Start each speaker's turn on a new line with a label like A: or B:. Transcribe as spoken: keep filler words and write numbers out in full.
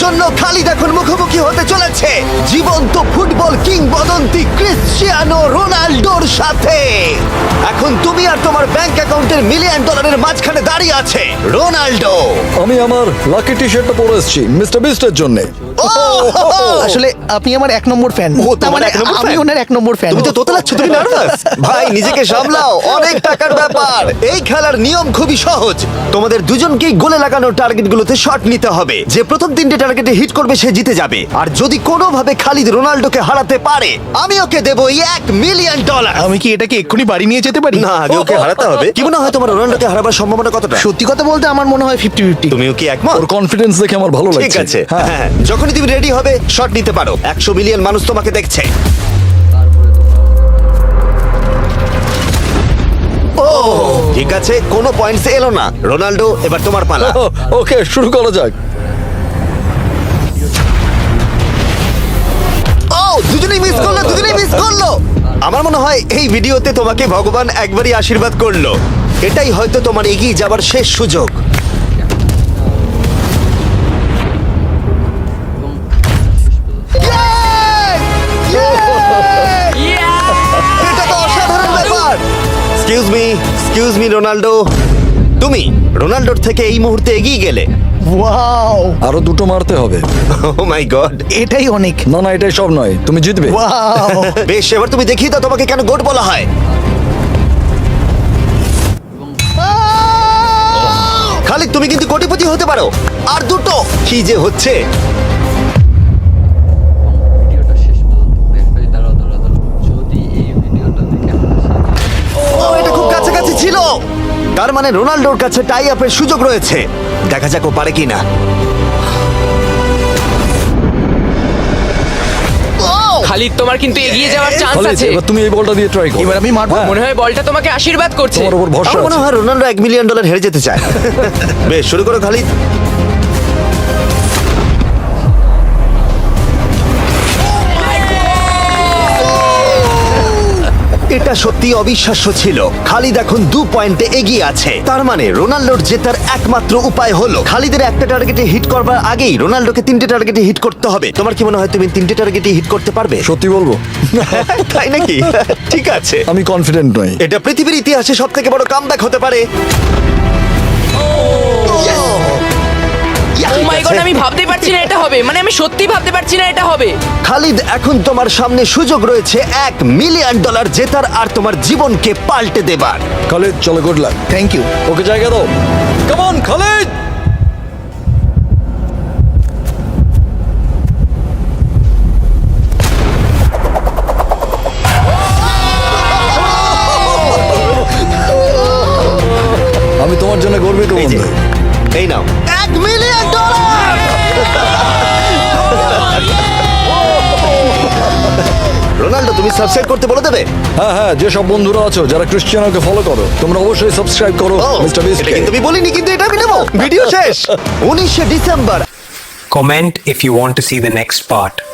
A: জন্য খালিদ এখন মুখোমুখি হতে চলেছে জীবন্ত ফুটবল কিংবদন্তি ক্রিশ্চিয়ানো রোনাল্ডোর সাথে। এখন তুমি আর তোমার ব্যাংক অ্যাকাউন্টের মিলিয়ন ডলারের মাঝখানে দাঁড়িয়ে আছে রোনাল্ডো।
B: আমি আমার লাকি টি শার্টটা পরে এসেছি মিস্টার বিস্টের জন্য।
C: আসলে আপনি আমার এক নম্বর ফ্যান।
A: ও, তোমার এক নম্বর
C: আমি
A: fan?
C: ওনার এক নম্বর ফ্যান।
A: তুমি তো তোতলাচ্ছ, তুমি নার্ভাস। ভাই নিজেকে সামলাও, অনেক টাকার ব্যাপার। এই খেলার নিয়ম খুবই সহজ, তোমাদের দুজনকেই গোলে লাগানো টার্গেটগুলোতে শট নিতে হবে। যে প্রথম তিনটে টার্গেটে হিট করবে সে জিতে যাবে। আর যদি কোনোভাবে খালিদ রোনাল্ডোকে হারাতে পারে আমি ওকে দেবো এক মিলিয়ন ডলার।
C: আমি কি এটাকে এক্ষুনি বাড়ি নিয়ে যেতে পারি?
A: না, আগে ওকে হারাতে হবে। কি মনে হয় তোমার রোনাল্ডোকে হারাবার সম্ভাবনা কতটা?
C: সত্যি কথা বলতে আমার মনে হয় ফিফটি ফিফটি।
A: তুমিও কি একমত?
B: ওর কনফিডেন্স দেখে আমার ভালো লাগছে।
A: ঠিক আছে,
B: হ্যাঁ
A: হ্যাঁ, যখনই তুমি রেডি হবে শট নিতে পারো। একশো মিলিয়ন মানুষ তোমাকে দেখছে। ও ঠিক আছে, কোনো পয়েন্টস এলো না। রোনাল্ডো এবার তোমার পালা।
B: ওকে শুরু করা যাক।
A: ও দুজনেই মিস করলো, দুজনেই মিস করলো। আমার মনে হয় এই ভিডিওতে তোমাকে ভগবান একবারই আশীর্বাদ করলো। এটাই হয়তো তোমার এগিয়ে যাবার শেষ সুযোগ। এটা তো অসাধারণ ব্যাপার। Excuse me, excuse me Ronaldo, তুমি রোনাল্ডোর থেকে এই মুহূর্তে এগিয়ে গেলে।
C: ওয়াও,
B: আরো দুটো মারতে হবে।
A: Oh my god.
C: এটাই অনেক।
B: না না এটাই সব নয়, তুমি জিতবে।
C: ওয়াও,
A: বেশ, এবার তুমি দেখিয়ে দাও তোমাকে কেন গোট বলা হয়। খালিদ তুমি কিন্তু কোটিপতি হতে পারো। আর দুটো কি যে হচ্ছে।
D: ভিডিওটা শেষ পর্যন্ত দেখবে। দাঁড়াও দাঁড়াও দাঁড়াও, যদি এই ভিডিওটা দেখে
A: ও এটা খুব কাছাকাছি ছিল। তার মানে রোনাল্ডোর কাছে টাই আপের সুযোগ রয়েছে। দেখা যাক ও পারে কিনা।
E: খালিদ তোমার কিন্তু এগিয়ে যাওয়ার চান্স
B: খালিদ,
E: আছে।
B: এবার তুমি এই বলটা দিয়ে ট্রাই করো।
C: এবার আমি মারবো।
B: হ্যাঁ,
E: মনে হয় বলটা তোমাকে আশীর্বাদ করছে।
B: তোমার উপর ভরসা
A: আমার মনে
B: আছে।
A: হয় রোনাল্ডো এক মিলিয়ন ডলার হেরে যেতে চায়। বেশ, শুরু করো খালিদ। এটা সত্যি অবিশ্বাস্য ছিল। খালিদ এখন দু পয়েন্টে এগিয়ে আছে। তার মানে রোনাল্ডোর জেতার একমাত্র উপায় হলো খালিদের একটা টার্গেটে হিট করবার আগেই রোনাল্ডোকে তিনটে টার্গেটে হিট করতে হবে। তোমার কি মনে হয় তুমি তিনটে টার্গেটে হিট করতে পারবে?
B: সত্যি বলবো
A: তাই নাকি? ঠিক আছে,
B: আমি কনফিডেন্ট নই।
A: এটা পৃথিবীর ইতিহাসে সব থেকে বড় কামব্যাক হতে পারে।
E: ও মাই গড, আমি ভাবতে পারছি না এটা হবে। মানে আমি সত্যি ভাবতে পারছি না এটা হবে।
A: খালিদ এখন তোমার সামনে সুযোগ রয়েছে এক মিলিয়ন ডলার জেতার আর তোমার জীবনকে পাল্টে দেবার।
B: খালিদ চলো, good luck.
C: Thank you.
B: Okay জায়গা দাও। Come on Khalid. আমি তোমার জন্য গর্বিত
A: এই যে,
B: বন্ধু।
A: এই নাও এক মিলিয়ন ডলার। রোনাল্ডো তুমি সাবস্ক্রাইব করতে বলে দেবে।
B: হ্যাঁ হ্যাঁ, যে সব বন্ধুরা আছো যারা ক্রিশ্চিয়ানোকে ফলো করো, তোমরা অবশ্যই সাবস্ক্রাইব করো
A: ও,
B: মিস্টার বিস্ট।
A: এটা কিন্তু আমি বলিনি, কিন্তু এটা আমি নেবো। ভিডিও শেষ। উনিশে December
F: Comment if you want to see the next part.